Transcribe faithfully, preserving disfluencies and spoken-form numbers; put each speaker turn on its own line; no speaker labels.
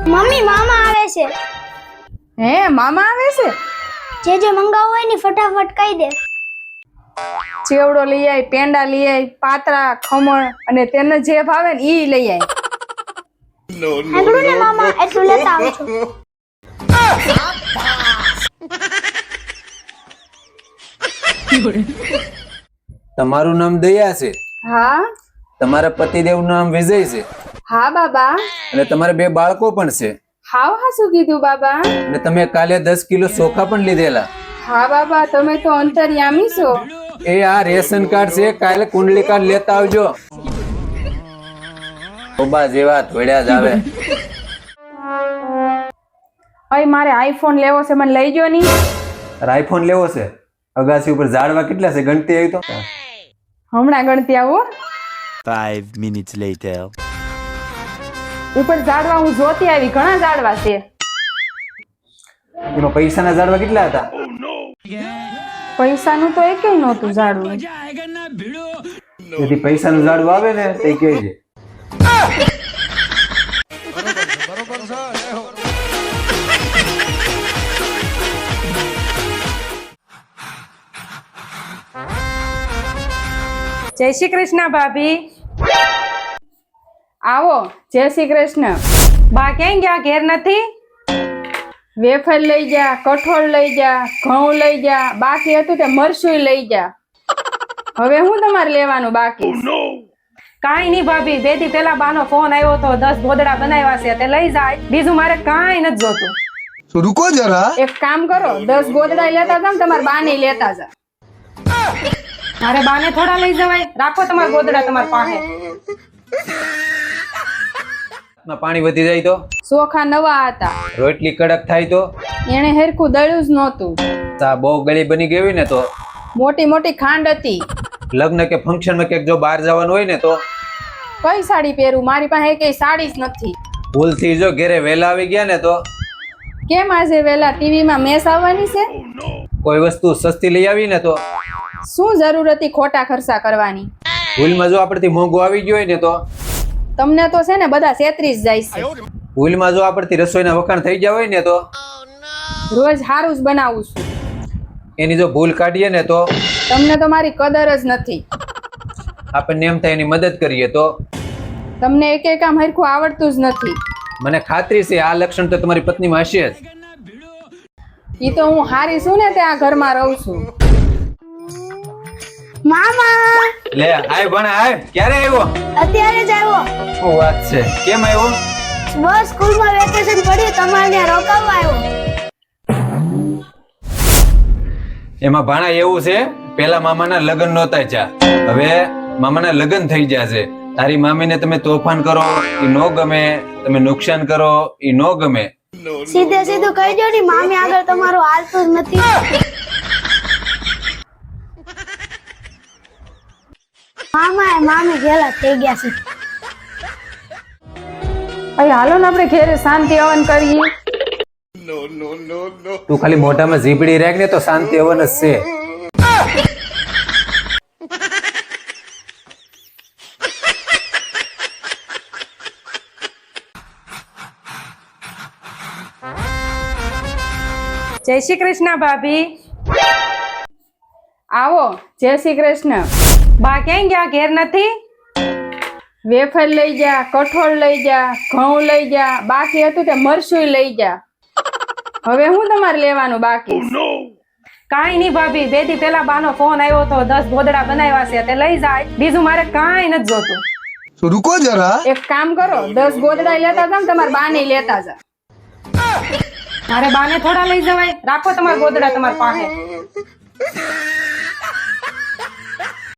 Mummy મામા આવે છે.
હે મામા આવે છે?
જે જે મંગાવું હોય ને ફટાફટ કહી દે.
ચેવડો લઈ આય, પેંડા લઈ આય, પાતરા, ખમણ અને તેને જે ભાવે ને ઈ લઈ આય.
હાંગડું ને મામા, એટલું લેતા આવજો.
તમારું નામ દયા છે?
હા.
તમારા પતિદેવ નું નામ વિજય છે?
હા બાબા.
અને તમારે બે બાળકો પણ છે?
હાવ હાસું કીધું બાબા.
અને તમે કાલે દસ કિલો ચોખા પણ લીધેલા?
હા બાબા, તમે તો અંતર્યામી છો.
એ આ રેશન કાર્ડ છે, કાલે કુંડલી કાર્ડ લેતા આવજો. ઓબા જેવા ધોળ્યા જ આવે.
અય મારે આઈફોન લેવો છે, મને લઈ જો ની.
આઈફોન લેવો છે? અગાસી ઉપર ઝાડવા કેટલા છે ગણતી આવી તો?
હમણાં ગણતી આવો.
Five minutes later.
ઉપર ઝાડવા હું જોતી આવી, ઘણા ઝાડવા છે.
એમાં પૈસાના ઝાડવા કેટલા હતા?
પૈસાનું તો એકેય નહોતું ઝાડવું.
તેથી પૈસાનું ઝાડવું આવે ને તે કહેજે.
જય શ્રી કૃષ્ણ ભાભી. આવો. જય શ્રી કૃષ્ણ. બા ક્યાં ગયા? ઘેર નથી? વેફર લઈ જા, કઠોળ લઈ જા, ઘઉં લઈ જા, બાકી હતું તે મરસું લઈ જા. હવે હું તમારે લેવાનું બાકી? કાંઈ નહીં ભાભી, બે દી પેલા બાનો ફોન આવ્યો તો દસ ગોદડા બનાવ્યા છે તે લઈ જાય, બીજું મારે કાંઈ નથી જોતું.
તો રૂકો જરા.
એક કામ કરો, દસ ગોદડા લેતા જાવ, તમારે બાને લેતા જા. મારે બાને થોડા લઈ જવાય, રાખો તમારા ગોદડા તમારા પાસે.
પાણી વધી જાય તો?
ચોખા નવા હતા.
રોટલી કડક થાય તો?
એને હેરખું દળ્યું જ નહોતું.
ચા બહુ ગળી બની ગઈ હોય ને તો?
મોટી મોટી ખાંડ હતી.
લગ્ન કે ફંક્શન માં ક્યાંક જો બહાર જવાનું હોય ને તો?
કઈ સાડી પહેરું? મારી પાસે કઈ સાડી જ નથી.
ભૂલથી જો ઘરે વહેલા આવી ગયા ને તો?
કેમ આજે વેલા ટીવી માં મેચ આવવાની છે?
કોઈ વસ્તુ સસ્તી લઈ આવી ને તો?
શું જરૂર હતી ખોટા ખર્ચા કરવાની?
ભૂલમાં જો આપણથી મોંઘું આવી ગયું હોય ને તો?
તમને તો છે ને બધા છેતરી જ જાય છે.
ભૂલમાં જો આપણથી રસોઈના વખાણ થઈ ગયા હોય ને તો?
રોજ હારું જ બનાવું છું.
એની જો ભૂલ કાઢીએ ને તો?
તમને તો મારી કદર જ નથી.
આપણને એમ થાય એની મદદ કરીએ તો?
તમને એક એક કામ હરખું આવડતું જ નથી.
મને ખાતરી છે આ લક્ષણ તો તમારી પત્નીમાં હશે જ.
ઈ તો હું હારી છું ને તે આ ઘરમાં રહું છું.
મામા
લે આય ભણા આય. ક્યારે આવ્યો?
અત્યારે જ આવ્યો.
શું વાત છે? કેમ આવ્યો?
બસ સ્કૂલમાં વેકેશન પડ્યું, તમારે ત્યાં રોકાવા આવ્યો.
એમાં ભાણા એવું છે, પેલા મામાના લગ્ન નહોતા થયા, હવે મામાના લગ્ન થઈ ગયા છે. તારી મામીને તમે તોફાન કરો ઈ નો ગમે, તમે નુકસાન કરો ઈ નો ગમે.
સીધે સીધું કહી દો ને, મામી આગળ તમારું હાલતું જ નથી. મામા એ મામી ગેલા થઈ ગયા છે.
અરે હાલો ને આપણે ઘેરે શાંતિ હવન કરીએ.
તું ખાલી મોઢામાં ઝીબડી રાખ ને તો શાંતિ હવન જ છે.
જય શ્રી કૃષ્ણ ભાભી. આવો. જય શ્રી કૃષ્ણ. બા ક્યાં ગયા? ઘેર નથી? વેફર લઈ જા, કઠોળ લઈ જા, ઘઉં લઈ જા, બાકી હતું તે મરસું લઈ જા. હવે હું તમારે લેવાનું બાકી? કાંઈ નહીં ભાભી, બે દી પેલા બાનો ફોન આવ્યો તો દસ ગોદડા બનાવ્યા છે તે લઈ જાય, બીજું મારે કાંઈ નથી જોતું.
તો રૂકો જરા.
એક કામ કરો, દસ ગોદડા લેતા જાવ, તમારા બાને લેતા જા. મારે બાને થોડા લઈ જવાય, રાખો તમારા ગોદડા તમારા પાસે.